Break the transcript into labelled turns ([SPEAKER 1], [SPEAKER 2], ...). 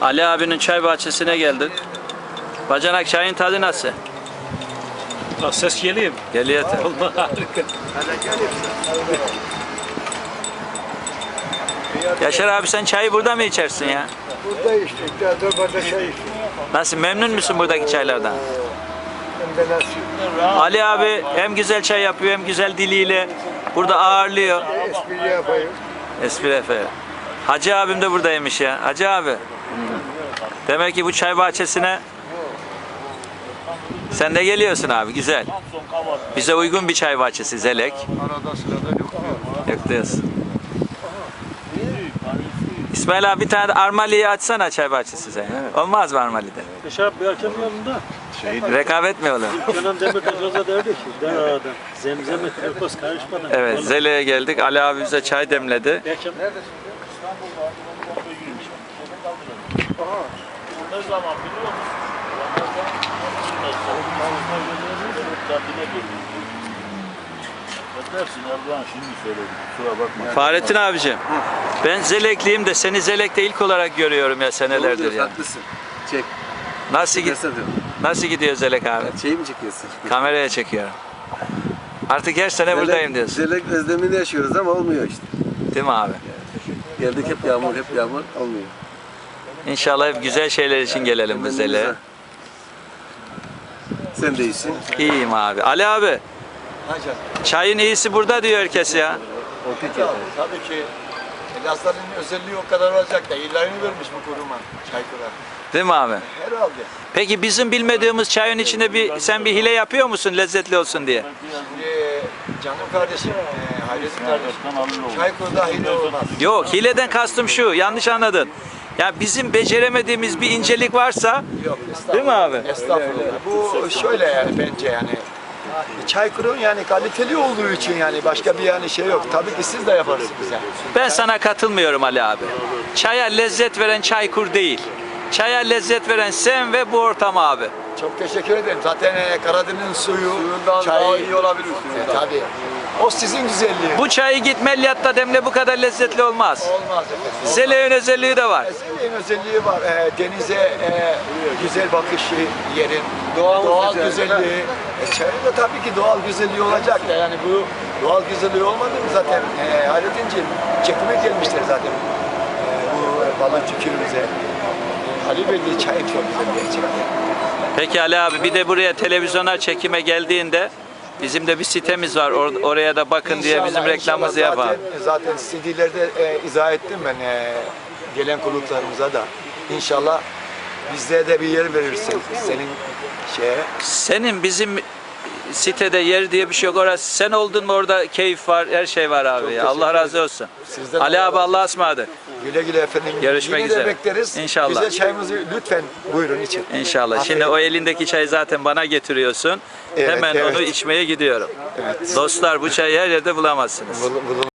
[SPEAKER 1] Ali abinin çay bahçesine geldik. Bacanak, çayın tadı nasıl?
[SPEAKER 2] Ses geliyor mu?
[SPEAKER 1] Geliyor tabii.
[SPEAKER 2] Vallahi harika.
[SPEAKER 1] Yaşar abi, sen çayı burada mı içersin ya?
[SPEAKER 3] Burada içtik. Daha da bardak çay içtik.
[SPEAKER 1] Nasıl, memnun musun buradaki çaylardan?
[SPEAKER 3] Hem de nasıl?
[SPEAKER 1] Ali abi hem güzel çay yapıyor hem güzel diliyle burada ağırlıyor.
[SPEAKER 3] Espri yapayım.
[SPEAKER 1] Espri efendim. Hacı abim de buradaymış ya. Hacı abi. Demek ki bu çay bahçesine sen de geliyorsun abi, güzel. Bize uygun bir çay bahçesi, Zelek.
[SPEAKER 3] Arada sırada yok.
[SPEAKER 1] Yok diyorsun. İsmail abi, bir tane de Armali'yi açsana çay bahçesi sen. Olmaz mı Armali'de?
[SPEAKER 2] Yaşar bir akşam yanında.
[SPEAKER 1] Rekabet mi olur?
[SPEAKER 2] Kenan Demirtaş'a derdi ki, der aradan. Zemzeme kırpız karışmadan.
[SPEAKER 1] Evet, Zelek'e geldik. Ali abi bize çay demledi.
[SPEAKER 2] Bir akşam
[SPEAKER 4] Ne zaman biliyor musun? Dersin Erdoğan şimdi söyledi. Kusura bakma.
[SPEAKER 1] Fahrettin abicim, ben Zelekliyim de seni Zelek'te ilk olarak görüyorum ya senelerdir ya.
[SPEAKER 5] Haklısın. Çek.
[SPEAKER 1] Nasıl gidiyor Zelek abi?
[SPEAKER 5] Şeyi mi çekiyorsun?
[SPEAKER 1] Kameraya çekiyorum. Artık her sene buradayım diyorsun.
[SPEAKER 5] Zelek özlemini yaşıyoruz ama olmuyor işte.
[SPEAKER 1] Değil mi abi?
[SPEAKER 5] Geldik hep yağmur olmuyor.
[SPEAKER 1] İnşallah hep güzel şeyler için gelelim bu Zelek'e.
[SPEAKER 5] Sen de iyisin.
[SPEAKER 1] İyiyim abi. Ali abi, çayın iyisi burada diyor herkes ya.
[SPEAKER 3] Tabii ki Elazığ'ın özelliği o kadar olacak da ilanını vermiş bu kuruma. Çaykura.
[SPEAKER 1] Değil mi abi?
[SPEAKER 3] Herhalde.
[SPEAKER 1] Peki bizim bilmediğimiz çayın içinde sen bir hile yapıyor musun lezzetli olsun diye?
[SPEAKER 3] Şimdi canım kardeşim, Hayrettin kardeşim. Çaykur'da hile olmaz.
[SPEAKER 1] Yok, hileden kastım şu, yanlış anladın. Ya bizim beceremediğimiz bir incelik varsa,
[SPEAKER 3] Yok,
[SPEAKER 1] değil mi abi?
[SPEAKER 3] estağfurullah. Bu şöyle yani bence yani. Çaykur'un yani kaliteli olduğu için yani başka bir yani şey yok. Tabii ki siz de yaparsınız bize.
[SPEAKER 1] Ben sana katılmıyorum Ali abi. Çaya lezzet veren Çaykur değil. Çaya lezzet veren sen ve bu ortam abi.
[SPEAKER 3] Çok teşekkür ederim. Zaten Karadeniz'in suyundan daha iyi olabilir. Tabii. O sizin güzelliğiniz.
[SPEAKER 1] Bu çayı git Melyat'ta demle, bu kadar lezzetli olmaz.
[SPEAKER 3] Olmaz efendim.
[SPEAKER 1] Zelek'in özelliği de var.
[SPEAKER 3] Eskilerin özelliği var. Denize güzel bakışı, yerin, doğal güzelliği. Çayın da tabii ki doğal güzelliği olacak da yani bu doğal güzelliği olmadı mı zaten Hayrettin'ciğim çekime gelmişler zaten bu balıkçı köyümüze. Ali Bey'de çay çok güzel gerçekten.
[SPEAKER 1] Peki Ali abi, bir de buraya televizyona çekime geldiğinde bizim de bir sitemiz var. Oraya da bakın diye bizim reklamımızı yapalım.
[SPEAKER 3] Zaten CD'lerde izah ettim ben gelen konuklarımıza da. İnşallah bizde de bir yer verirsin senin şeye.
[SPEAKER 1] Senin bizim sitede yer diye bir şey yok. Orası sen oldun mu orada keyif var, her şey var abi. Ya. Allah razı olsun.
[SPEAKER 3] Sizden
[SPEAKER 1] Ali abi,
[SPEAKER 3] Allah
[SPEAKER 1] Allah'a ısmarladık.
[SPEAKER 3] Güle güle efendim.
[SPEAKER 1] Görüşmek
[SPEAKER 3] Yine
[SPEAKER 1] üzere.
[SPEAKER 3] de bekleriz.
[SPEAKER 1] İnşallah.
[SPEAKER 3] Güzel çayımızı lütfen buyurun için.
[SPEAKER 1] İnşallah. Şimdi o elindeki çayı zaten bana getiriyorsun.
[SPEAKER 3] Evet,
[SPEAKER 1] Hemen
[SPEAKER 3] evet.
[SPEAKER 1] onu içmeye gidiyorum. Dostlar, bu çayı her yerde bulamazsınız.